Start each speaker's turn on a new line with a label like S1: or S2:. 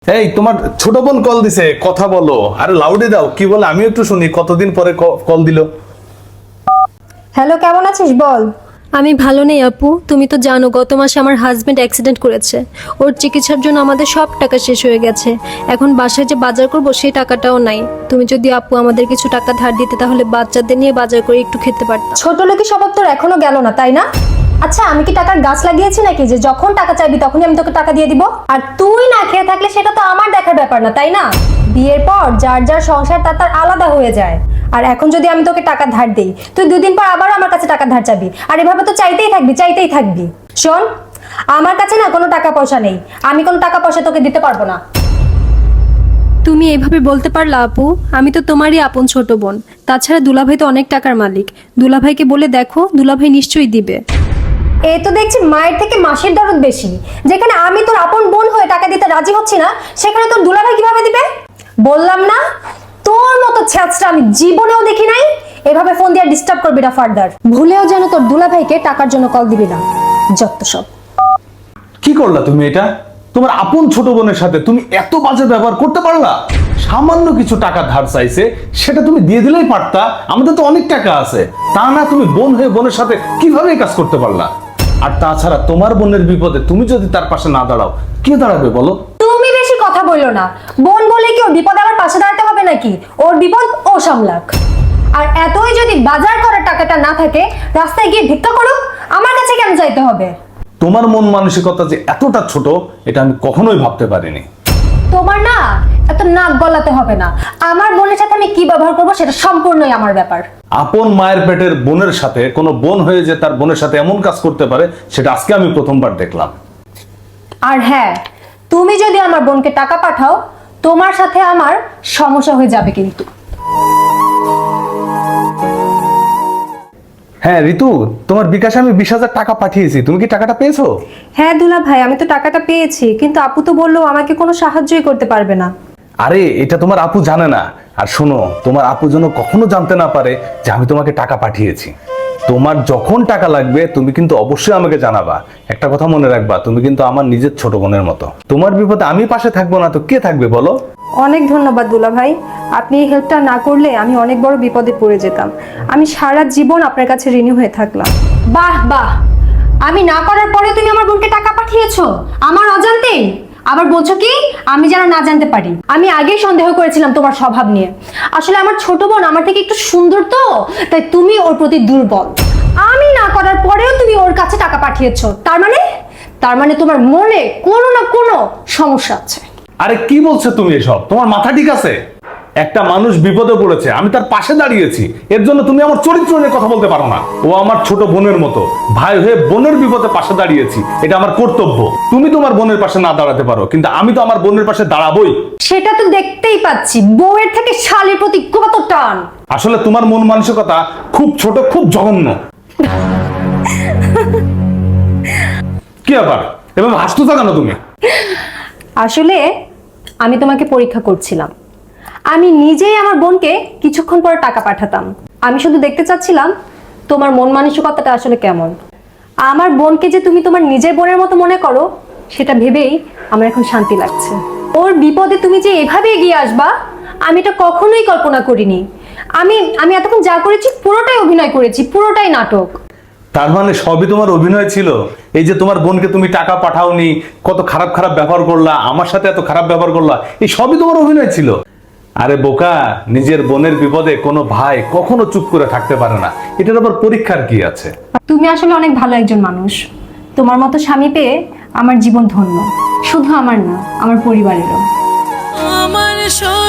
S1: এই তোমার ছোট বোন কল দিছে, কথা বলো। আরে লাউডে দাও, কি বলে আমি একটু শুনি। কতদিন পরে কল দিল।
S2: হ্যালো, কেমন আছিস বল।
S3: আমি ভালো নেই আপু, তুমি তো জানো গত মাসে আমার হাজবেন্ড অ্যাক্সিডেন্ট করেছে। ওর চিকিৎসার জন্য আমাদের সব টাকা শেষ হয়ে গেছে। এখন বাসায় যে বাজার করব সেই টাকাটাও নাই। তুমি যদি আপু আমাদের কিছু টাকা ধার দিতে তাহলে বাচ্চাদের নিয়ে বাজার করে একটু খেতে পারতাম।
S2: ছোট লোকের স্বভাব তোর এখনো গেল না, তাই না? আচ্ছা, আমি কি টাকার গাছ লাগিয়েছি নাকি যে যখন টাকা চাইবি তখনই আমি তোকে টাকা দিয়ে দিব? আর তুই না খেয়ে থাকলে সেটা তো আমার দেখার ব্যাপার না, তাই না? বিয়ের পর যার যার সংসার তার আলাদা হয়ে যায়। আর এখন যদি আমি তোকে টাকা ধার দেই, তুই 2 দিন পর আবার আমার কাছে টাকা ধার চাবি, আর এভাবে তো চাইতেই থাকবি। শোন, আমার কাছে না কোনো টাকা পয়সা নেই, আমি কোনো টাকা পয়সা তোকে দিতে পারবো না।
S3: তুমি এভাবে বলতে পারলা আপু? আমি তো তোমারই আপন ছোট বোন। তাছাড়া দুলাভাই তো অনেক টাকার মালিক। দুলাভাইকে বলে দেখো, দুলাভাই নিশ্চয়ই দিবে।
S2: এই তো দেখছি মায়ের থেকে মাসির দরদ বেশি। যেখানে আমি তোর আপন বোন হয়ে টাকা দিতে রাজি হচ্ছি না, সেখানে তোর দুলাভাই কিভাবে দিবে? বললাম না, তোর মতো ছ্যাঁচড়া আমি জীবনেও দেখি নাই। এভাবে ফোন দিয়ে ডিস্টার্ব করবি না ফার্দার। ভুলেও যেন তোর দুলাভাইকে টাকার জন্য কল দিবি না, যত সব।
S1: কি করলা তুমি এটা? তোমার আপন ছোট বোনের সাথে তুমি এত বাজে ব্যবহার করতে পারলা? সামান্য কিছু টাকা ধার চাইছে, সেটা তুমি দিয়ে দিলেই পারতা। আমাদের তো অনেক টাকা আছে। তা না, তুমি বোন হয়ে বোনের সাথে কিভাবে এই কাজ করতে পারলা? আর তাছাড়া তোমার বোনের বিপদে তুমি যদি তার পাশে না দাঁড়াও, কে দাঁড়াবে বলো?
S2: তুমি বেশি কথা বললো না। বোন বলে কি ওর বিপদ আমার পাশে দাঁড়াতে হবে নাকি? ওর বিপদ ও সামলাক। আর এতই যদি বাজার করার টাকাটা না থাকে, রাস্তায় গিয়ে ভিক্ষা করুক, আমার কাছে কেন চাইতে হবে?
S1: তোমার মন মানসিকতা যে এতটা ছোট, এটা আমি কখনোই ভাবতে পারিনি।
S2: তোমার না এত নাক গলাতে হবে না। আমার বোনের সাথে আমি কি ব্যবহার করবো সেটা সম্পূর্ণই আমার ব্যাপার।
S1: আপন মায়ের পেটের বোনের সাথে কোনো বোন হয়ে যে তার বোনের সাথে এমন কাজ করতে পারে, সেটা আজকে আমি প্রথমবার দেখলাম।
S2: আর হ্যাঁ, তুমি যদি আমার বোনকে টাকা পাঠাও, তোমার সাথে আমার সমস্যা হয়ে যাবে কিন্তু।
S1: হ্যাঁ ঋতু, তোমার বিকাশে আমি 20,000 টাকা পাঠিয়েছি, তুমি কি টাকাটা পেয়েছো?
S2: হ্যাঁ দুলা ভাই, আমি তো টাকাটা পেয়েছি, কিন্তু আপু তো বললো আমাকে কোনো সাহায্যই করতে পারবে না।
S1: আরে এটা তোমার আপু জানে না। আর শোনো, তোমার আপু যেন কখনো জানতে না পারে যে আমি তোমাকে টাকা পাঠিয়েছি। তোমার যখন টাকা লাগবে তুমি কিন্তু অবশ্যই আমাকে জানাবা। একটা কথা মনে রাখবা, তুমি কিন্তু আমার নিজের ছোট বোনের মতো। তোমার বিপদে আমি পাশে থাকবো না তো কে থাকবে বলো?
S2: অনেক ধন্যবাদ দুলা ভাই। আপনি এই হেল্পটা না করলে আমি অনেক বড় বিপদে পড়ে যেতাম। আমি সারা জীবন আপনার কাছে ঋণী হয়ে থাকলাম। বাহ বাহ, আমি না করার পরে তুমি আমার বোনকে টাকা পাঠিয়েছো আমার অজান্তেই। আবার বলছো কি আমি যেন না জানতে পারি? আমি আগেই সন্দেহ করেছিলাম তোমার স্বভাব নিয়ে। আসলে আমার ছোট বোন আমার থেকে একটু সুন্দর তো, তাই তুমি ওর প্রতি দুর্বল। আমি না করার পরেও তুমি ওর কাছে টাকা পাঠিয়েছো, তার মানে তোমার মনে কোনো না কোনো সমস্যা আছে।
S1: আরে কি বলছো তুমি এসব? তোমার মাথা ঠিক আছে? একটা মানুষ বিপদে পড়েছে, আমি তার পাশে দাঁড়িয়েছি। এর জন্য তুমি আমার চরিত্র নিয়ে কথা বলতে পারো না। ও আমার ছোট বোনের মতো, ভাই হয়ে বোনের বিপদে পাশে দাঁড়িয়েছি, এটা আমার কর্তব্য। তুমি তোমার বোনের পাশে না দাঁড়াতে পারো, কিন্তু আমি তো আমার বোনের পাশে দাঁড়াবোই।
S2: সেটা তো দেখতেই পাচ্ছি, বউয়ের থেকে শালীর প্রতি কত টান।
S1: আসলে তোমার মন মানসিকতা খুব ছোট, খুব জঘন্য। কি আবার এভাবে হাসতেছো কেন তুমি?
S2: আসলে আমি তোমাকে পরীক্ষা করছিলাম। আমি নিজেই আমার বোনকে কিছুক্ষণ পরে টাকা পাঠাতাম। আমি শুধু দেখতে চাচ্ছিলাম তোমার মন মানসিকতাটা আসলে কেমন। আমার বোনকে যে তুমি তোমার নিজের বোনের মতো মনে করো, সেটা ভেবেই আমার এখন শান্তি লাগছে। ওর বিপদে তুমি যে এভাবে এগিয়ে আসবা, আমি এটা কখনোই কল্পনা করিনি। আমি এতক্ষণ যা করেছি পুরোটাই অভিনয় করেছি, পুরোটাই নাটক।
S1: তার মানে সবই তোমার অভিনয় ছিল? এই যে তোমার বোনকে তুমি টাকা পাঠাওনি, কত খারাপ খারাপ ব্যবহার করলা, আমার সাথে এত খারাপ ব্যবহার করলা, এই সবই তোমার অভিনয় ছিল? আরে বোকা, নিজের বোনের বিপদে কোনো ভাই কখনো চুপ করে থাকতে পারে না। এটার আবার পরীক্ষার কি আছে?
S2: তুমি আসলে অনেক ভালো একজন মানুষ। তোমার মতো স্বামী পেয়ে আমার জীবন ধন্য। শুধু আমার না, আমার পরিবারেরও।
S4: আমার